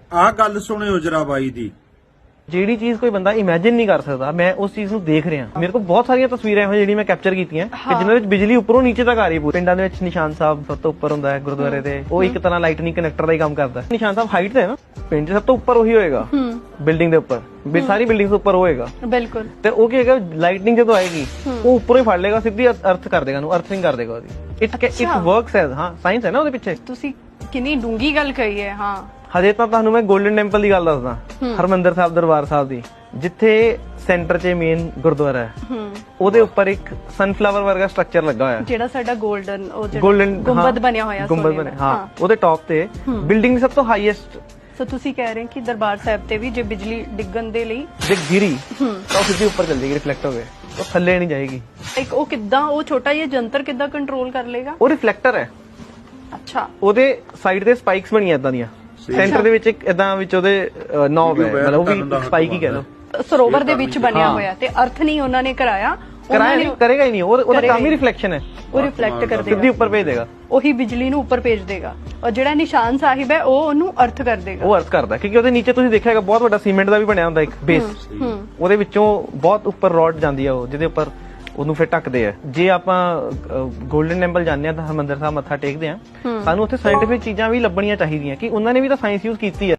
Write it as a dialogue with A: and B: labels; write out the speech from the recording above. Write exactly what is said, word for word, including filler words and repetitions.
A: ਆਹ ਗੱਲ ਸੁਣਿਓ ਜਰਾ ਬਾਈ ਦੀ।
B: ਜਿਹੜੀ ਚੀਜ਼ ਕੋਈ ਬੰਦਾ ਇਮੇਜਿਨ ਨਹੀਂ ਕਰ ਸਕਦਾ, ਮੈਂ ਉਸ ਚੀਜ਼ ਨੂੰ ਦੇਖ ਰਿਹਾ। ਮੇਰੇ ਕੋਲ ਬਹੁਤ ਸਾਰੀਆਂ ਤਸਵੀਰਾਂ ਇਹੋ ਜਿਹੜੀਆਂ ਮੈਂ ਕੈਪਚਰ ਕੀਤੀਆਂ ਕਿ ਜਿਨ੍ਹਾਂ ਵਿੱਚ ਬਿਜਲੀ ਉੱਪਰੋਂ ਨੀਚੇ ਤੱਕ ਆ ਰਹੀ ਹੈ। ਪਿੰਡਾਂ ਦੇ ਵਿੱਚ ਨਿਸ਼ਾਨ ਸਾਹਿਬ ਸਭ ਤੋਂ ਉੱਪਰ ਹੁੰਦਾ ਹੈ ਗੁਰਦੁਆਰੇ ਤੇ, ਉਹ ਇੱਕ ਤਰ੍ਹਾਂ ਲਾਈਟਨਿੰਗ ਕਨੈਕਟਰ ਦਾ ਹੀ ਕੰਮ ਕਰਦਾ ਹੈ। ਨਿਸ਼ਾਨ ਸਾਹਿਬ ਹਾਈਟ ਤੇ ਹੈ ਨਾ, ਪਿੰਡ 'ਚ ਸਭ ਤੋਂ ਉੱਪਰ ਉਹੀ ਹੋਏਗਾ ਬਿਲਡਿੰਗ ਦੇ ਉੱਪਰ, ਸਾਰੀ ਬਿਲਡਿੰਗ ਤੋਂ ਉੱਪਰ ਹੋਏਗਾ
C: ਬਿਲਕੁਲ।
B: ਤੇ ਉਹ ਕੀ ਹੈਗਾ, ਲਾਈਟਨਿੰਗ ਜਦੋਂ ਆਏਗੀ ਉਹ ਉੱਪਰੋਂ ਹੀ ਫੜ ਲੇਗਾ, ਸਿੱਧੀ ਅਰਥ ਕਰ ਦੇਗਾ, ਉਹਨੂੰ ਅਰਥਿੰਗ ਕਰ ਦੇਗਾ ਉਹਦੀ। ਇਟ ਇਟ ਵਰਕਸ ਐਜ਼, ਹਾਂ ਸਾਇੰਸ ਹੈ ਨਾ ਉਹਦੇ ਪਿੱਛੇ।
C: ਤੁਸੀਂ ਕਿੰਨੀ ਡੂੰਗੀ ਗੱਲ ਕਹੀ ਹੈ। ਹਾਂ
B: ਹਜੇ ਤਾਂ ਤੁਹਾਨੂੰ ਮੈਂ ਗੋਲਡਨ ਟੈਂਪਲ ਦੀ ਗੱਲ ਦੱਸਦਾ, ਹਰਮੰਦਰ ਸਾਹਿਬ ਦਰਬਾਰ ਸਾਹਿਬ ਦੀ, ਜਿੱਥੇ ਸੈਂਟਰ 'ਚ ਮੇਨ ਗੁਰਦੁਆਰਾ ਹੈ, ਉਹਦੇ ਉੱਪਰ ਇੱਕ ਸਨਫਲਾਵਰ ਵਰਗਾ ਸਟਰਕਚਰ ਲੱਗਾ ਹੋਇਆ,
C: ਜਿਹੜਾ ਸਾਡਾ ਗੋਲਡਨ ਉਹ ਜਿਹੜਾ
B: ਗੋਲਡਨ
C: ਗੁੰਬਦ ਬਣਿਆ ਹੋਇਆ,
B: ਗੁੰਬਦ ਬਣਿਆ, ਹਾਂ ਉਹਦੇ ਟੌਪ ਤੇ ਬਿਲਡਿੰਗ ਸਭ ਤੋਂ ਹਾਈਐਸਟ।
C: ਸੋ ਤੁਸੀਂ ਕਹਿ ਰਹੇ ਕਿ ਦਰਬਾਰ ਸਾਹਿਬ ਤੇ ਵੀ ਜੇ ਬਿਜਲੀ ਡਿੱਗਣ ਦੇ ਲਈ
B: ਜੇ ਗਿਰੀ ਤਾਂ ਉਹ ਸਿੱਧੀ ਉੱਪਰ ਚੱਲ ਜਾਏਗੀ, ਰਿਫਲੈਕਟ ਹੋ ਕੇ, ਉਹ ਥੱਲੇ ਨਹੀਂ ਜਾਏਗੀ।
C: ਇੱਕ ਉਹ ਕਿੱਦਾਂ, ਉਹ ਛੋਟਾ ਜਿਹਾ ਜੰਤਰ ਕਿੱਦਾਂ ਕੰਟਰੋਲ ਕਰ ਲੇਗਾ?
B: ਉਹ ਰਿਫਲੈਕਟਰ ਹੈ।
C: ਅੱਛਾ।
B: ਉਹਦੇ ਸਾਈਡ ਤੇ ਸਪਾਈਕਸ ਬਣੀਆਂ ਇਦਾਂ ਦੀਆਂ, ਸੈਂਟਰ ਦੇ ਵਿੱਚ ਇੱਕ ਇਦਾਂ ਵਿੱਚ ਉਹਦੇ ਨੌਬ ਹੈ, ਮਤਲਬ ਉਹ ਵੀ ਸਪਾਈਕ ਹੀ ਕਹਿ ਲਓ।
C: ਸਰੋਵਰ ਦੇ ਵਿੱਚ ਬਣਿਆ ਹੋਇਆ ਤੇ ਅਰਥ ਨਹੀਂ ਉਹਨਾਂ ਨੇ ਕਰਾਇਆ,
B: ਕਰਾਇਆ ਨਹੀਂ, ਕਰੇਗਾ ਹੀ ਨਹੀਂ, ਉਹਦਾ ਕੰਮ ਹੀ ਰਿਫਲੈਕਸ਼ਨ ਹੈ।
C: ਉਹ ਰਿਫਲੈਕਟ ਕਰ ਦੇਗਾ,
B: ਸਿੱਧੀ ਉੱਪਰ ਭੇਜ ਦੇਗਾ,
C: ਉਹੀ ਬਿਜਲੀ ਨੂੰ ਉੱਪਰ ਭੇਜ ਦੇਗਾ। ਔਰ ਜਿਹੜਾ ਨਿਸ਼ਾਨ ਸਾਹਿਬ ਹੈ ਉਹ ਉਹਨੂੰ ਅਰਥ ਕਰ ਦੇਗਾ।
B: ਉਹ ਅਰਥ ਕਰਦਾ, ਕਿਉਂਕਿ ਉਹਦੇ ਨੀਚੇ ਤੁਸੀਂ ਦੇਖਿਆਗਾ ਬਹੁਤ ਵੱਡਾ ਸੀਮੈਂਟ ਦਾ ਵੀ ਬਣਿਆ ਹੁੰਦਾ ਇੱਕ ਬੇਸ, ਉਹਦੇ ਵਿੱਚੋਂ ਬਹੁਤ ਉੱਪਰ ਰੋਡ ਜਾਂਦੀ ਆ ਉਹ, ਜਿਹਦੇ ਉੱਪਰ ਉਹਨੂੰ ਫਿਰ ਢੱਕਦੇ ਆ। ਜੇ ਆਪਾਂ ਗੋਲਡਨ ਟੈਂਪਲ ਜਾਂਦੇ ਆ ਤਾਂ ਹਰਮੰਦਰ ਸਾਹਿਬ ਮੱਥਾ ਟੇਕਦੇ ਆ, ਸਾਨੂੰ ਉੱਥੇ ਸਾਇੰਟਿਫਿਕ ਚੀਜ਼ਾਂ ਵੀ ਲੱਭਣੀਆਂ ਚਾਹੀਦੀਆਂ ਕਿ ਉਹਨਾਂ ਨੇ ਵੀ ਤਾਂ ਸਾਇੰਸ ਯੂਜ਼ ਕੀਤੀ ਹੈ।